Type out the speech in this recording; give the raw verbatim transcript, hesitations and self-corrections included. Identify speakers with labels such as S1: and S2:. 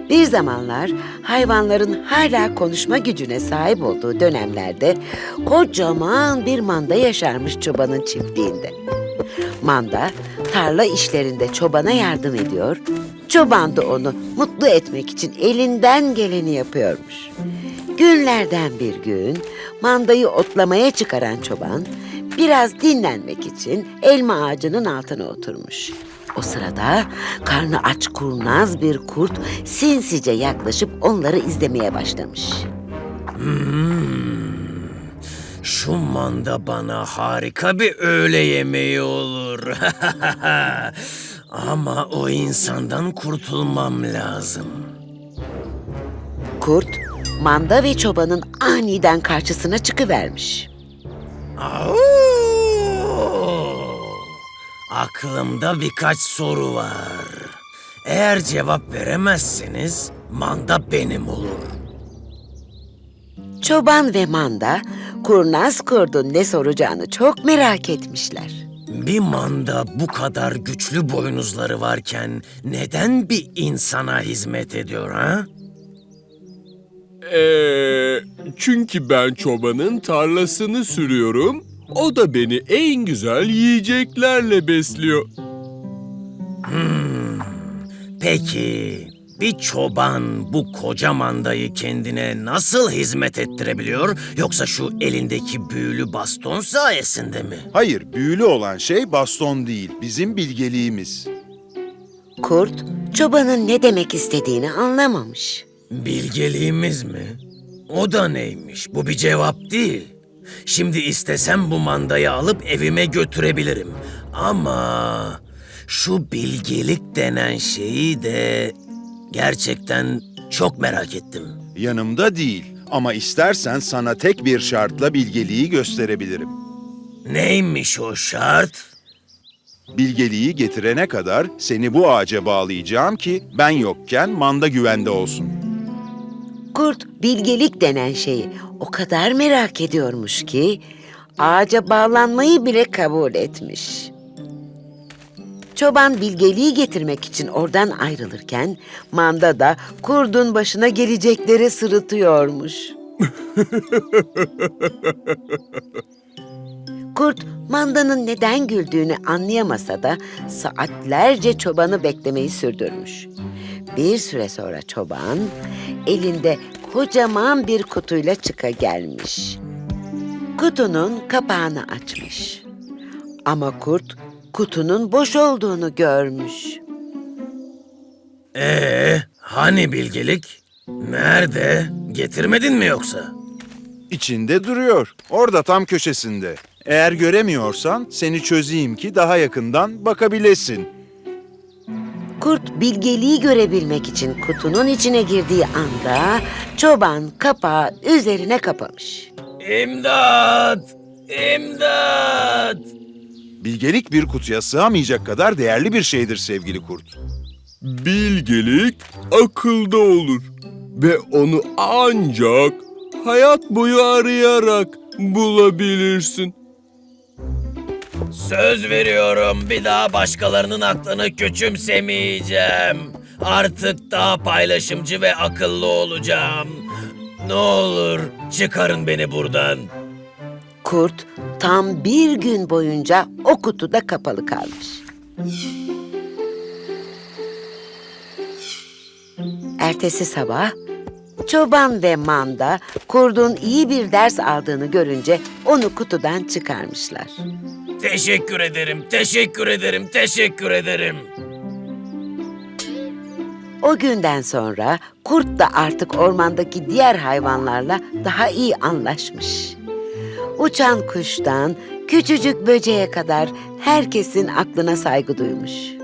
S1: Bir zamanlar hayvanların hala konuşma gücüne sahip olduğu dönemlerde kocaman bir manda yaşarmış çobanın çiftliğinde. Manda tarla işlerinde çobana yardım ediyor, çoban da onu mutlu etmek için elinden geleni yapıyormuş. Günlerden bir gün mandayı otlamaya çıkaran çoban biraz dinlenmek için elma ağacının altına oturmuş. O sırada karnı aç kurnaz bir kurt sinsice yaklaşıp onları izlemeye başlamış.
S2: Hmm, şu manda bana harika bir öğle yemeği olur. Ama o insandan kurtulmam lazım.
S1: Kurt, manda ve çobanın aniden karşısına çıkıvermiş.
S2: Au! Aklımda birkaç soru var. Eğer cevap veremezseniz manda benim olur.
S1: Çoban ve manda, kurnaz kurdun ne soracağını çok merak etmişler.
S2: Bir manda bu kadar güçlü boynuzları varken neden bir insana hizmet ediyor ha?
S3: Ee, çünkü ben çobanın tarlasını sürüyorum. O da beni en güzel yiyeceklerle besliyor.
S2: Hmm, peki bir çoban bu koca mandayı kendine nasıl hizmet ettirebiliyor? Yoksa şu elindeki büyülü baston sayesinde mi?
S4: Hayır, büyülü olan şey baston değil, bizim bilgeliğimiz.
S1: Kurt, çobanın ne demek istediğini anlamamış.
S2: Bilgeliğimiz mi? O da neymiş? Bu bir cevap değil. Şimdi istesem bu mandayı alıp evime götürebilirim. Ama şu bilgelik denen şeyi de gerçekten çok merak ettim.
S4: Yanımda değil ama istersen sana tek bir şartla bilgeliği gösterebilirim.
S2: Neymiş o şart?
S4: Bilgeliği getirene kadar seni bu ağaca bağlayacağım ki ben yokken manda güvende olsun.
S1: Kurt, bilgelik denen şeyi o kadar merak ediyormuş ki ağaca bağlanmayı bile kabul etmiş. Çoban bilgeliği getirmek için oradan ayrılırken manda da kurdun başına gelecekleri sırıtıyormuş. Kurt, mandanın neden güldüğünü anlayamasa da saatlerce çobanı beklemeyi sürdürmüş. Bir süre sonra çoban elinde kocaman bir kutuyla çıka gelmiş. Kutunun kapağını açmış. Ama kurt kutunun boş olduğunu görmüş.
S2: Ee, hani bilgelik? Nerede? Getirmedin mi yoksa?
S4: İçinde duruyor, orada tam köşesinde. Eğer göremiyorsan seni çözeyim ki daha yakından bakabilesin.
S1: Kurt bilgeliği görebilmek için kutunun içine girdiği anda çoban kapağı üzerine kapamış.
S2: İmdat! İmdat!
S4: Bilgelik bir kutuya sığamayacak kadar değerli bir şeydir sevgili kurt.
S3: Bilgelik akılda olur ve onu ancak hayat boyu arayarak bulabilirsin.
S2: Söz veriyorum bir daha başkalarının aklını küçümsemeyeceğim. Artık daha paylaşımcı ve akıllı olacağım. Ne olur çıkarın beni buradan.
S1: Kurt tam bir gün boyunca o kutuda kapalı kalmış. Ertesi sabah çoban ve manda kurdun iyi bir ders aldığını görünce onu kutudan çıkarmışlar.
S2: Teşekkür ederim, teşekkür ederim, teşekkür ederim.
S1: O günden sonra kurt da artık ormandaki diğer hayvanlarla daha iyi anlaşmış. Uçan kuştan küçücük böceğe kadar herkesin aklına saygı duymuş.